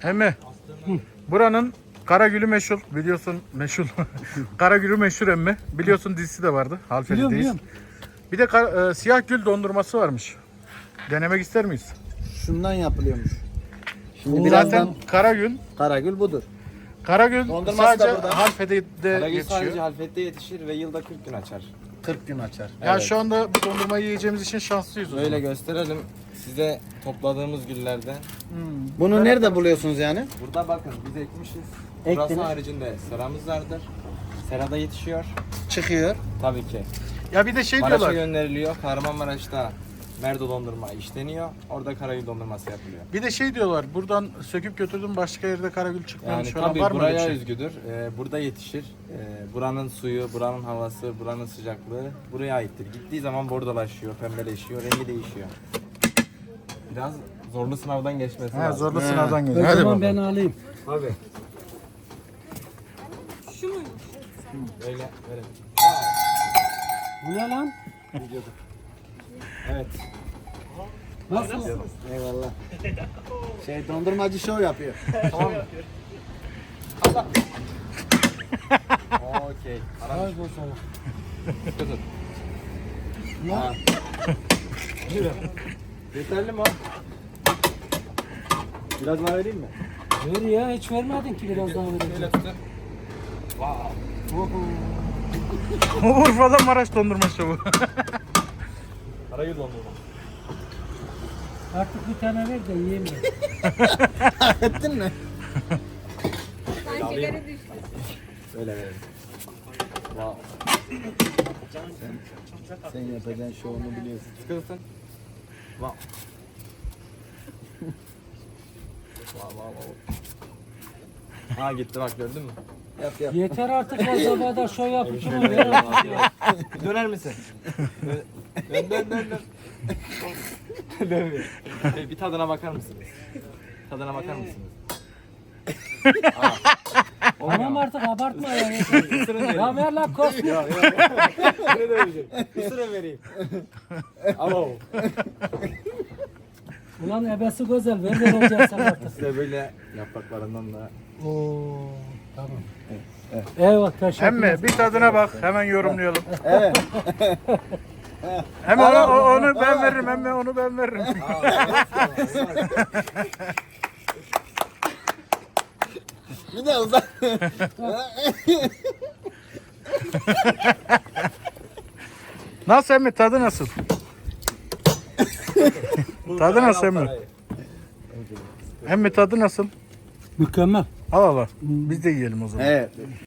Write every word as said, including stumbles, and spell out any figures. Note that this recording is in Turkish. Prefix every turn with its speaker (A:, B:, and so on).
A: Emmi, buranın Karagül'ü meşhur, biliyorsun meşhur. Karagül'ü meşhur emmi. Biliyorsun dizisi de vardı.
B: Biliyorum,
A: Halfeli'deyiz.
B: biliyorum.
A: Bir de kar- e, siyah gül dondurması varmış. Denemek ister miyiz?
C: Şundan yapılıyormuş. Şimdi
A: Zaten
C: birazdan
A: Karagül,
C: Karagül budur.
A: Karagül
C: Dondurması da
A: sadece
C: burada.
A: Halfeli'de
D: Karagül sadece
A: yetişiyor.
D: Halfet'te yetişir ve yılda kırk gün açar.
C: kırk gün açar.
A: Ya
D: Evet.
A: şu anda bu dondurmayı yiyeceğimiz için şanslıyız o
D: Böyle
A: zaman.
D: gösterelim size topladığımız güllerden.
C: Bunu nerede buluyorsunuz yani?
D: Burada bakın biz ekmişiz.
C: Ektiniz.
D: Burası haricinde seramız vardır. Serada yetişiyor.
C: Çıkıyor.
D: Tabii ki.
A: Ya bir de şey
D: Maraş'a
A: diyorlar.
D: gönderiliyor. Kahramanmaraş'ta Merdo dondurma işleniyor. Orada Karagül dondurması yapılıyor.
A: Bir de şey diyorlar. Buradan söküp götürdüm başka yerde Karagül çıkmıyormuş
D: Yani
A: falan
D: tabii
A: var mı öyle bir
D: buraya
A: şey?
D: özgüdür. Ee, burada yetişir. Ee, buranın suyu, buranın havası, buranın sıcaklığı buraya aittir. Gittiği zaman bordolaşıyor, pembeleşiyor, rengi değişiyor. Biraz zorlu sınavdan geçmesi
A: He,
D: lazım.
A: zorlu
C: He.
A: sınavdan
B: O
A: geliyor. Hadi
B: zaman
A: bakalım.
B: ben alayım.
D: Tabii. Şu muymuş? Öyle, verelim.
B: Bu ne lan?
D: Evet.
B: Nasıl?
C: Eyvallah. Şey dondurmacı şov yapıyor.
D: Tamam mı? Okey.
B: Ay bu sana.
D: Tutun.
B: Ne?
D: Ha. Yeterli mi o? Biraz daha vereyim mi?
B: Ver ya, hiç vermedin ki biraz daha
D: Şöyle
B: vereceğim.
D: tutun. Wow.
A: Urfa'da Maraş dondurma şovu.
D: Karagül dondurma.
B: Artık bir tane ver de yiyeyim ben.
C: Ettin mi?
E: Şekeri düştü.
D: Öyle verelim. Wow.
C: Sen yapacağın şovunu biliyorsun.
D: Sıkı tutun. Wow. Wow wow wow. Ha gitti bak gördün mü?
C: Yap yap.
B: Yeter artık ya, sabahda şov yapıp şunu ver artık ya.
D: Döner misin? Dön dön dön dön. dön. Dönmüyor. Hey, bir tadına bakar mısınız? Tadına bakar mısınız?
B: Tamam artık abartma ya.
D: Isırın vereyim.
B: Ya ver lan kosmu.
D: Ne döveceğim? Isırın vereyim. Alo.
B: Ulan ebesi güzel, ver vereceğim sen artık.
D: Size böyle yapraklarından da.
B: Oo, tamam. Eyvallah, teşekkür
A: Emmi
B: ederim.
A: bir tadına bak hemen yorumlayalım.
C: Evet.
A: Hem onu, o- onu ben veririm hem onu ben veririm.
C: Bir de uzak.
A: Nasıl emmi tadı nasıl? Tadı nasıl emmi? Emmi tadı nasıl?
B: Mükemmel.
A: Al al al. Biz de yiyelim o zaman.
C: Evet.